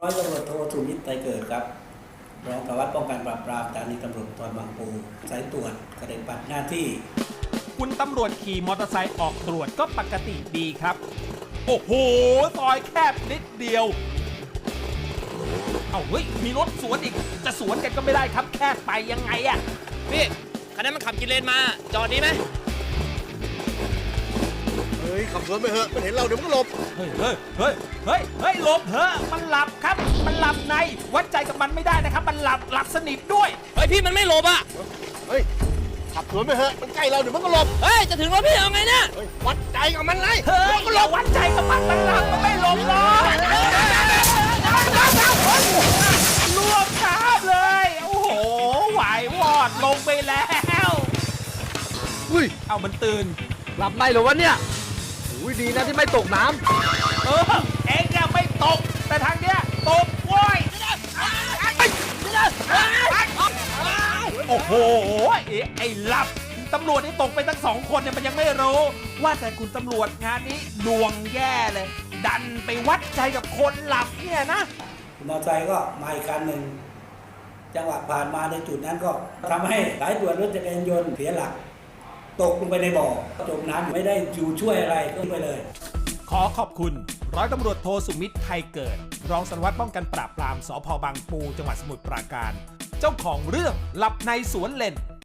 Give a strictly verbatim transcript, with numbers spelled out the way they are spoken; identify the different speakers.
Speaker 1: ร้อยตำรวจโทสุมิตรไตรเกิดครับรองสารวัตรป้องกันปราบปรามสถานีตำรวจภูธรบางปูสายตรวจกระเด็นปัดหน้าที่
Speaker 2: คุณตำรวจขี่มอเตอร์ไซค์ออกตรวจก็ปกติดีครับโอ้โหซอยแคบนิดเดียวเอาเฮ้ยมีรถสวนอีกจะสวนกันก็ไม่ได้ครับแคบไปยังไงอะ
Speaker 3: พี่คันนั้นมันขับกินเลนมาจอดดีไหม
Speaker 4: เฮ้ยขับสวนไปเถอะมันเห็นเราเดี๋ยวมันก็หลบ
Speaker 2: เฮ้ยเฮ้ยเฮ้ยเฮ้ยเฮ้ยหลบเถอะมันหลับครับมันหลับในวัดใจกับมันไม่ได้นะครับมันหลับหลับสนิทด้วย
Speaker 3: เฮ้ยพี่มันไม่หลบอ่ะ
Speaker 4: เฮ้ยขับสวนไปเถอะมันใกล้เราเดี๋ยวมันก็หลบ
Speaker 3: เฮ้ยจะถึงแล้วพี่เอาไงเนี่ย
Speaker 4: วัดใจกับมันเลย
Speaker 2: เฮ้ยอย่าวัดใจกับมันมันหลับมันไม่หลบหรอกลวกคาบเลยโอ้โหไหววอดลงไปแล้ว
Speaker 4: อุ้ย
Speaker 2: เอามันตื่น
Speaker 4: หลับในเหรอวะเนี่ยอุ้ยดีนะที่ไม่ตกน้
Speaker 2: ำเออเอ็งเนี่ยไม่ตกแต่ทางเนี้ยตกโว้ยโอ้โหไอ้หลับตำรวจนี่ตกไปทั้งสองคนเนี่ยมันยังไม่รู้ว่าแต่คุณตำรวจงานนี้ดวงแย่เลยดันไปวัดใจกับคนหลับเนี่ยนะ
Speaker 1: มอเตอร์ไซค์ก็มาอีกคันหนึ่งจังหวะผ่านมาในจุดนั้นก็ทำให้สายตรวจรถจักรยานยนต์เสียหลักตกลงไปในบ่อจมน้ำไม่ได้อยู่ช่วยอะไรก็ไปเลย
Speaker 2: ขอขอบคุณร้อยตำรวจโทสุมิตรไทยเกิดรองสารวัตรป้องกันปราบปรามสภ.บางปูจังหวัดสมุทรปราการเจ้าของเรื่องหลับในสวนเลน